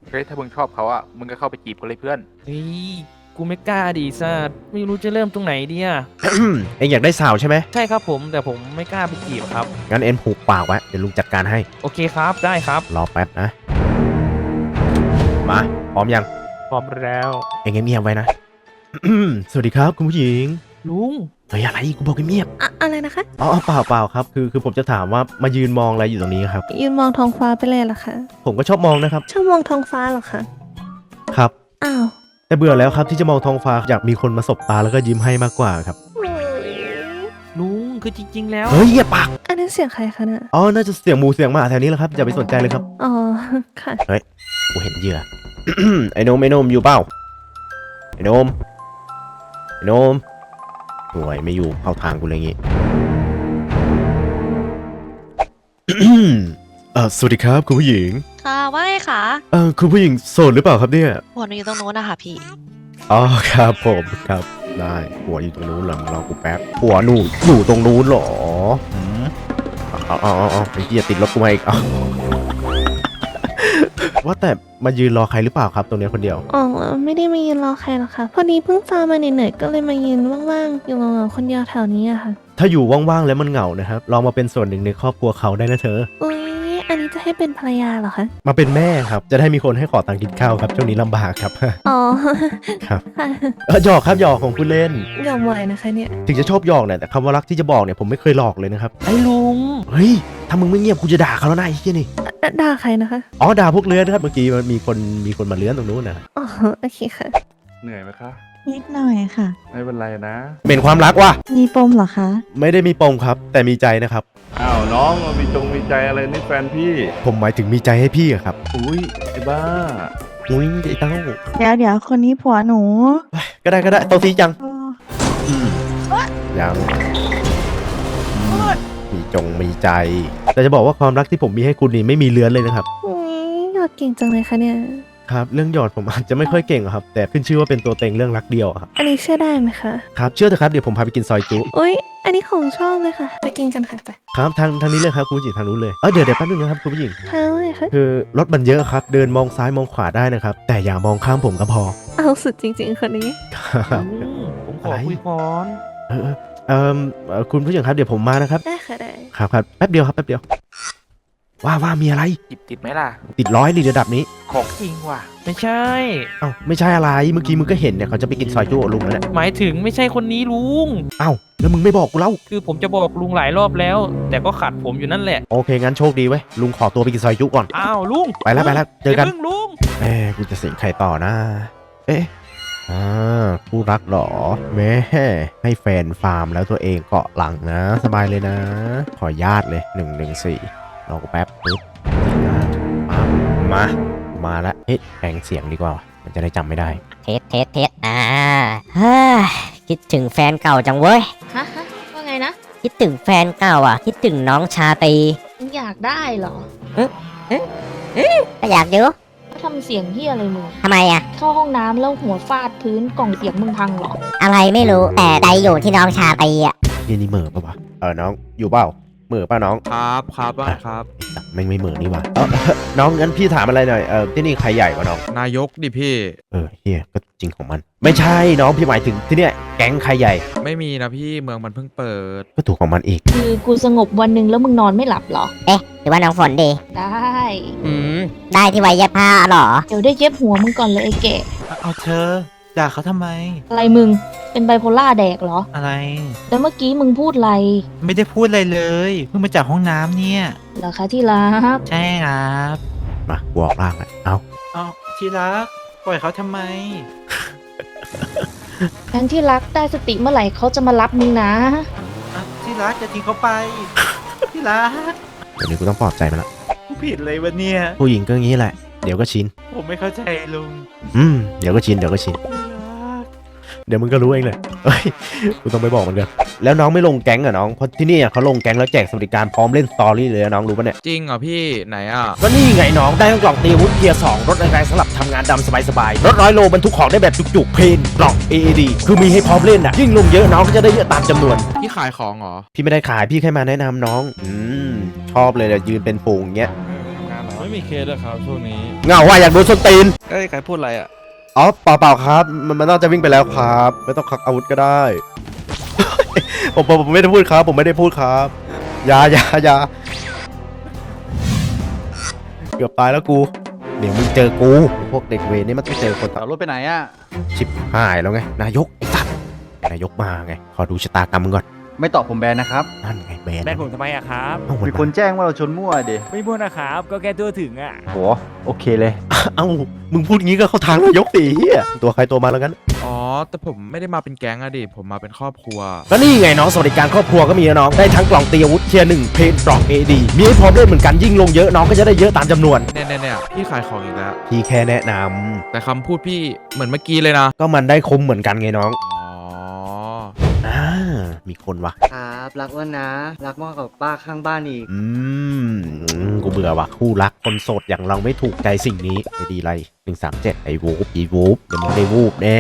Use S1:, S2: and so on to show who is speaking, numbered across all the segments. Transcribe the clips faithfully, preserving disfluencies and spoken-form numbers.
S1: เฮ้ยถ้ามึงชอบเขาอ่ะมึงก็เข้าไปจีบเขาเลยเพื่อน
S2: เฮ้ยกูไม่กล้าดิซ่าไม่รู้จะเริ่มตรงไหนดีอะ
S3: เอ็งอยากได้สาวใช่ไหม
S2: ใช่ครับผมแต่ผมไม่กล้าไปจีบครับ
S3: งั้นเอ็นผูกปากไว้เดี๋ยวลุงจัดการให้
S2: โอเคครับได้ครับ
S3: รอแป๊บนะมาพร้อมยัง
S2: พร้อมแล้ว
S3: เอ็งเงียบๆไว้นะ สวัสดีครับคุณผู้หญิง
S2: ลุง
S3: เฮ้ยอะไรกูบอกเงียบ
S4: อะอะไรนะคะ
S3: ๆอ๋อเปล่าเปล่าครับคือคือผมจะถามว่ามายืนมองอะไรอยู่ตรงนี้ครับ
S4: ยืนมองท้องฟ้าไปเลยเหรอคะ
S3: ผมก็ชอบมองนะครับ
S4: ชอบมองท้องฟ้าเหรอคะ
S3: ครับ
S4: อ้าว
S3: แต่เบื่อแล้วครับที่จะมองท้องฟ้าอยากมีคนมาสบตาแล้วก็ยิ้มให้มากกว่าครับ
S2: ลุงคือจริง ๆ แล้ว
S3: เฮ้ยเงียบปาก
S4: อันนั้นเสียงใครคะเนี่ย
S3: อ๋อน่าจะเสียงหมูเสียงหมาแถวนี้แหละครับอย่าไปสนใจเลยครับ
S4: อ๋อ ค่ะ
S3: กูเห็นเหยื่อ ไอ้โนมไอ้โนมอยู่เปล่าไอ้โนมไอ้โนมห่วยไม่อยู่เข้าทางกูเลยงี้ เออสวัสดีครับคุณผู้หญิง
S5: ค่ะว่าไงคะ
S3: เออคุณผู้หญิงโสดหรือเปล่าครับเนี่ย
S5: หัวหนูอยู่ตรงโน้นนะคะพี่
S3: อ๋อครับผมครับได้หัวอยู่ตรงนู้นเหรอรอกูแป๊บหัวหนูอยู่ตรงนู้นเหรอหืมเอ๋อาเอาเอาไอ้เหี้ยติดรถกูมาอีกเอา ว่าแต่มายืนรอใครหรือเปล่าครับตรงเนี้ยคนเดียว
S4: อ๋อ ไม่ได้มายืนรอใครหรอกค่ะ พอดีเพิ่งฟาร์มมาเหนื่อยๆก็เลยมายืนว่างๆ อยู่เหงาๆคนเดียวแถวนี้อะค่ะ
S3: ถ้าอยู่ว่างๆแล้วมันเหงานะครับลองมาเป็นส่วนหนึ่งในครอบครัวเขาได้นะเธอ
S4: อุ้ย อันนี้จะให้เป็นภรรยาเหรอคะ
S3: มาเป็นแม่ครับจะได้มีคนให้ขอตังค์กินข้าวครับช่วงนี้ลำบากครับ
S4: อ๋อ
S3: ครับ
S4: ค่ะ
S3: เออหยอกครับหยอกของคุณเล่น
S4: ยอมไหวนะคะเนี่ย
S3: ถึงจะชอบหยอกเนี่ยแต่คำว่ารักที่จะบอกเนี่ยผมไม่เคยหลอกเลยนะครับ
S2: ไอ้ลุง
S3: เฮ้ยถ้ามึงไม่เงียบกูจะด่าเขาแล้วนะไอ้เหี้ยนี่
S4: ดด่าใครนะคะ
S3: อ๋อด่าพวกเลื้อนครับเมื่อกี้มันมีคนมีคนมาเลื้อนตรงนู้นนะ
S4: อ๋อ โอเคค่ะ
S1: เหนื่อยไหมคะ
S6: นิดหน่อยค่ะ
S1: ไม่เป็นไรนะ
S3: เป็นความรักว่ะ
S6: มีปมเหรอคะ
S3: ไม่ได้มีปมครับ แต่มีใจนะครับ
S1: อ้าวน้องมีจงมีใจอะไรนี่แฟนพี่
S3: ผมหมายถึงมีใจให้พี่อะครับ
S1: อุ้ยไอ้บ้า
S3: อุ้ยไอ้เต้า
S6: เดี๋ยวเดี๋ยวคนนี้ผัวหนู
S3: ก็ได้ก็ได้โตซีจัง
S6: เออ
S3: ยังมีจงมีใจ แต่จะบอกว่าความรักที่ผมมีให้คุณนี่ไม่มีเลื้อนเลยนะครับ
S4: อุ้ยยอดเก่งจังเลยค่ะเนี่ย
S3: ครับเรื่องหยอดผมอาจจะไม่ค่อยเก่งอะครับ แต่ขึ้นชื่อว่าเป็นตัวเต็งเรื่องรักเดียวอะครับ
S4: อันนี้เชื่อได้ไหมคะ
S3: ครับเชื่อเถอะครับเดี๋ยวผมพาไปกินซอยจุ
S4: อุ้ย อันนี้ของชอบเลยค่ะ ไปกินกันค่ะไป
S3: ครับทางทางนี้เลยครับคุณผู้หญิงทางนู้นเลยเออเดี๋ยวเดี๋ยวแป๊บนึงนะครับคุณผู้หญิง
S4: เท้าเลยค่ะ
S3: คือรถมันเยอะครับ เดินมองซ้ายมองขวาได้นะครับ แต่อย่ามองข้ามผมก็พอ
S4: เอาสุดจริงๆคนนี้
S3: ครับ
S2: ลุงผมขอ
S3: อะไร
S2: คุยก่อน
S3: เออเออเอิ่มเอ่อคุณผู้หญิงครับเดี๋ยวผมมานะครับ
S4: ได้ค่ะได้
S3: ครับครับแป๊บเดียวครับแป๊บเดียว ว่าว่ามีอะไร
S1: จิบติดไหมล่ะ
S3: ติดร้อยลีระดับนี้
S1: ของจริงว่ะ
S2: ไม่ใช่
S3: เอ้าไม่ใช่อะไรเมื่อกี้มึงก็เห็นเนี่ยเขาจะไปกินซอยจุกับลุงแล้วเนี่ย
S2: หมายถึงไม่ใช่คนนี้ลุง
S3: เอ้าแล้วมึงไม่บอกกูเล่า
S2: คือผมจะบอกลุงหลายรอบแล้ว แต่ก็ขัดผมอยู่นั่นแหละ
S3: โอเคงั้นโชคดีเว้ยลุงขอตัวไปกินซอยจุก่อน
S2: อ้าวลุง
S3: ไปแล้วไปแล้วเจอกัน
S2: ย่าพิ่งลุง
S3: เอ๊ะกูจะเสียงใครต่อนะ เอ๊ะอ่าคู่รักเหรอแม่ให้แฟนฟาร์มแล้วตัวเองเกาะหลังนะ สบายเลยนะ ขอญาตเลยหนึ่งหนึ่งสี่รอกูแป๊บปึ๊บมามา มาแล้วเอ๊ะแปลงเสียงดีกว่า มันจะได้จำไม่ได้
S7: เทสเทสเทสอ่าเฮ้ยคิดถึงแฟนเก่าจังเว้ย
S5: ฮะฮะว่าไงนะ
S7: คิดถึงแฟนเก่าอ่ะ คิดถึงน้องชาตรี
S5: มึงอยากได้เหรอ
S7: ก็อยากอยู่
S5: ทำเสียงเฮียอะไรมึง
S7: ทำไมอ่ะ
S5: เข้าห้องน้ำแล้วหัวฟาดพื้นกล่องเสียงมึงพังเหรอ
S7: อะไรไม่รู้ แต่ใจอยู่ที่น้องชาตรีอ่ะ
S3: เย็นนี่เหม่อปะวะเออน้องอยู่เปล่าเหม่อป่ะน้อง
S8: ครับครับว่าครับ
S3: ไอ้สัตว์แม่งไม่เหม่อนี่หว่าเออ น้องงั้นพี่ถามอะไรหน่อยเออที่นี่ใครใหญ่กว่าน้อง
S8: นายกดิพี่
S3: เออเฮียก็จริงของมัน ไม่ใช่น้องพี่หมายถึงที่เนี่ยแก๊งใครใหญ่
S8: ไม่มีนะพี่เมืองมันเพิ่งเปิด
S3: ก็ถูกของมันอีก
S5: คือกูสงบวันหนึ่งแล้วมึงนอนไม่หลับเหรอ
S7: เอ๊ะ หรือว่าน้องฝนดี
S5: ได้
S7: อืม ได้ที่ไว้เย็บผ้าเหรอ
S5: เดี๋ยวได้เย็บหัวมึงก่อนเลยไอ้แก่
S9: เอาเธอด่าเขาทำไม
S5: อะไรมึง เป็นไบโพล่าแดกเหรอ
S9: อะไร
S5: แล้วเมื่อกี้มึงพูดอะไร
S9: ไม่ได้พูดอะไรเลย เพิ่งมาจากห้องน้ำเนี่ย
S5: เหรอคะที่รัก
S9: ใช่ครับ
S3: มากูออกล่างแล้วเอา
S9: เอาที่รัก ปล่อยเขาทำไม
S5: แฟนที่รักได้สติเมื่อไหร่เขาจะมารับมึงนะ
S9: อ่ะที่รักจะทิ้งเขาไป ที่รัก
S3: เดี๋ยวนี้กูต้องปลอบใจมันละ
S9: กูผิดเลยวะเนี่ย
S3: ผู้หญิงก็งี้แหละ เดี๋ยวก็ชิน
S9: ผมไม่เข้าใจลุง
S3: อืม เดี๋ยวก็ชิน เดี๋ยวก็ชิน เดี๋ยวมึงก็รู้เองเลยเฮ้ย กูต้องไปบอกมันกันแล้วน้องไม่ลงแก๊งเหรอน้อง เพราะที่นี่เขาลงแก๊งแล้วแจกสวัสดิการพร้อมเล่นสตอรี่เลยนะน้องรู้ปะเนี่ย
S8: จริงเหรอพี่ไหนอ่ะ
S3: ก็นี่ไงน้อง ได้ทั้งกล่องตีอาวุธเกียร์สองรถแรงๆสำหรับทำงานดำสบายๆ รถร้อยโลบรรทุกของได้แบบจุกๆ เพลนกล่อง เอ เอ ดี คือมีให้พร้อมเล่นอ่ะ ยิ่งลงเยอะน้องก็จะได้เยอะตามจำนวน
S8: พี่ขายของเหรอ
S3: พี่ไม่ได้ขายพี่แค่มาแนะนำน้อง อืม ชอบเลยเดี๋ยวยืนเป็นฝูงอย่างเงี้ย
S8: เออทำงานเหรอ
S1: ไม่มีเคสเลยครับช่วงนี้
S3: เหงาว่ะอยากโดนส้นตีน
S1: เอ้ยใครพูดอะไรอ่ะ
S3: อ๋อเปล่าเปล่าครับ มันมันน่าจะวิ่งไปแล้วครับ ไม่ต้องควักอาวุธก็ได้ ผมผมผมไม่ได้พูดครับ ผมไม่ได้พูดครับอยาอยาอยาเกือบตายแล้วกู เดี๋ยวมึงเจอกูพวกเด็กเวรนี่มันต้องเจอคน
S9: ขับรถไปไหนอ่ะ
S3: ชิบหายแล้วไงนายกไอ้สัตว์นายกมาไงขอดูชะตากรรมมึงก่อน
S9: ไม่ตอบผมแบนนะครับ
S3: นั่นไงแบน
S2: แบนผมทำไมอะครับ
S3: เอ้ามัน
S9: มีคนแจ้งว่าเราชนมั่วเด
S2: ไม่พูดนะครับ ก็แค่ตัวถึงอะ
S9: โหโอเคเลย
S3: เอ้ามึงพูดงี้ก็เข้าทางนายกสิเหี้ยตัวใครตัวมาแล้วกัน
S8: อ๋อ แต่ผมไม่ได้มาเป็นแก๊งอะดิ ผมมาเป็นครอบครัว
S3: ก็นี่ไงน้องสวัสดิการครอบครัวก็มีนะน้องได้ทั้งกล่องตีอาวุธเทียร์หนึ่งเพนกล่อง เอ ดี มีให้พร้อมเล่นเหมือนกันยิ่งลงเยอะน้องก็จะได้เยอะตามจำนวน
S8: เนี่ยเนี่ยเนี่ยพี่ขายของอีกแล้ว
S3: พี่แค่แนะนำ
S8: แต่คำพูดพี่เหมือนเมื่อกี้เลยนะ
S3: ก็มันได้คุ้มเหมือนกันไงน้อง
S8: อ๋อ
S3: อ่ามีคนวะ
S9: ครับรักว่านะ รักมากกว่าป้าข้างบ้านอีก
S3: อืมอืมกูเบื่อว่ะคู่รักคนโสดอย่างเราไม่ถูกใจสิ่งนี้ไอ้ดีไรหนึ่งสามเจ็ดไอ้วูบอีวูบเดี๋ยวมึงได้วูบแน่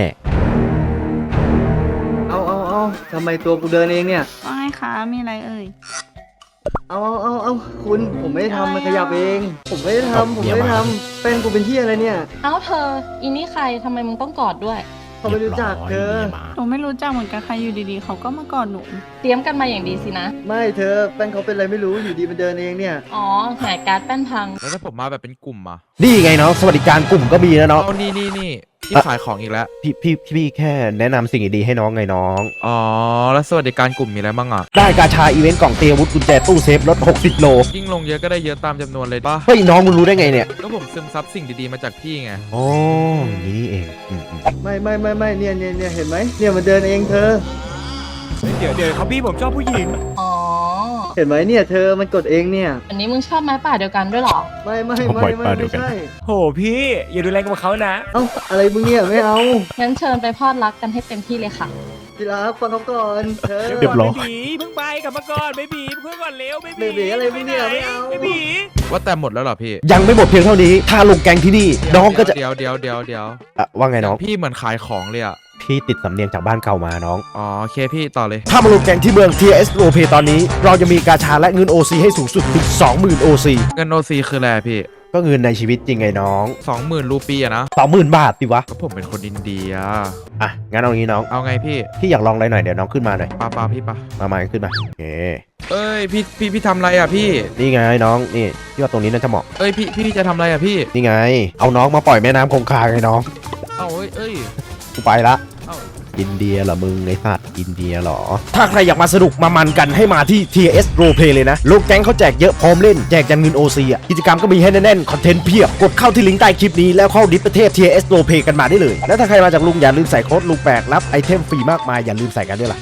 S9: เอาเอาเอาทำไมตัวกูเดินเองเนี่ย
S6: ว่าไงคะ มีอะไรเอ่ย
S9: เอาเอาเอาเอาคุณผมไม่ได้ทำมันขยับเอง ผมไม่ได้ทำผมไม่ได้ทำแฟนกูเป็นที่อะไรเนี่ย
S5: เอ้าเธอ อีนี่ใครทำไมมึงต้องกอดด้วย
S9: เขาไม่รู้จักเธอ
S3: รียบร้ย
S6: หนูไม่รู้จักเหมือนกันใครอยู่ดีๆ เขาก็มากอดหนู
S5: เตรียมกันมาอย่างดีสินะ
S9: ไม่เธอแฟนเขาเป็นอะไรไม่รู้อยู่ดีมันเดินเองเนี่ย
S5: อ๋อแหกการ์ดแป้นพัง
S8: แล้วถ้าผมมาแบบเป็นกลุ่มอะ
S3: นี่ไงน้องสวัสดิการกลุ่มก็มีนะน้อง
S8: เอานี่นี่นี่พี่ขายของอีกแล้ว
S3: พี่พี่พี่แค่แนะนำสิ่งดีๆให้น้องไงน้อง
S8: อ๋อ แล้วสวัสดิการกลุ่มมีอะไรบ้างอะ
S3: ได้กาชาอีเวนต์กล่องเตียอาวุธกุญแจตู้เซฟลดหกสิบโล
S8: ยิ่งลงเยอะก็ได้เยอะตามจำนวนเลยป่ะ
S3: เฮ้ยน้องมึงรู้ได้ไงเนี่ย
S8: ก็ผมซึมซับสิ่งดีๆมาจากพี่ไง
S3: อ๋ออย่างนี้นี่เองอืมอืม
S9: ไม่ไม่ไม่ไม่เนี่ยเนี่ยเนี่ยเห็นไหมเนี่ยมันเดินเองเธอ
S2: เดี๋ยวเดี๋ยวเขาพี่ผมชอบผู้หญิง
S5: อ๋อ
S9: เห็นไหมเนี่ยเธอมันกดเองเนี่ย
S5: อันนี้มึงชอบไม้ป่าเดียวกันด้วยเหรอ
S9: ไม่ไม่ไม่ไม่ไม่ใช่
S2: โหพี่อย่าดูแรงกับเขานะ
S9: เอ้าอะไรมึงเนี่ยไม่เอา
S5: งั้นเชิญไปพอดรักกันให้เต็มที่เลยค่ะ
S9: ทีรักฟังเขาก่อนเธอ
S3: เรียบร้อย
S2: บีเพิ่งไปกลับมาก่อนเบบีเพิ่งก่อนเร็วเบ
S9: เบบีอะไรมึงเนี่ยไม่เอา
S2: เบบี
S8: ว่าแต่หมดแล้วเหรอพี่
S3: ยังไม่หมดเพียงเท่านี้ ถ้าลงแกงที่นี่น้องก็จะ
S8: เดี๋ยวเดี๋ยวเดี๋ยวเดี๋ยว
S3: อ่ะว่าไงน้อง
S8: พี่เหมือนขายของเลยอะ
S3: พี่ติดสำเนียงจากบ้านเก่ามาน้อง
S8: อ๋อโอเคพี่ต่อเลย
S3: ถ้ามาลงแกงที่เมือง ที เอส Roleplay ตอนนี้ เราจะมีกาชาและเงิน โอ ซี ให้สูงสุดถึง สองหมื่น โอ ซี
S8: เงินโอซีคืออะไรพี่
S3: ก็เงินในชีวิตจริงไงน้อง
S8: สองหมื่นรูปีอะนะ
S3: สองหมื่นบาทสิวะ
S8: ก็ผมเป็นคนอินเดีย
S3: อ่ะ งั้นเอางี้น้อง
S8: เอาไงพี่
S3: พี่อยากลองอะไรหน่อยเดี๋ยวน้องขึ้นมาหน่อย
S8: ปาปาพี่ปา
S3: มามาขึ้นมาโอเค
S8: เอ้ยพี่พี่พี่ทำอะไรอะพี่
S3: นี่ไงน้องนี่พี่ว่าตรงนี้น่าจะเหมาะ
S8: เอ้ยพี่พี่จะทำอะไรอะพี่
S3: นี่ไง เอาน้องมาปล่อยแม่น้ำคงคาไงน้อง
S8: เอ้าเอ้ยเอ้ย
S3: กูไปละ
S8: เอ้า
S3: อินเดียเหรอมึงไอสัตว์อินเดียเหรอ ถ้าใครอยากมาสนุกมามันกันให้มาที่ ที เอส Roleplay เลยนะโลกแก๊งเขาแจกเยอะพร้อมเล่นแจกยันเงิน โอ ซี อ่ะกิจกรรมก็มีให้แน่นๆคอนเทนต์เพียบกดเข้าที่ลิงก์ใต้คลิปนี้แล้วเข้าดิสประเทศ ที เอส Roleplay กันมาได้เลยและถ้าใครมาจากลุงอย่าลืมใส่โค้ดลุงแปลกรับไอเทมฟรีมากมายอย่าลืมใส่กันด้วยล่ะ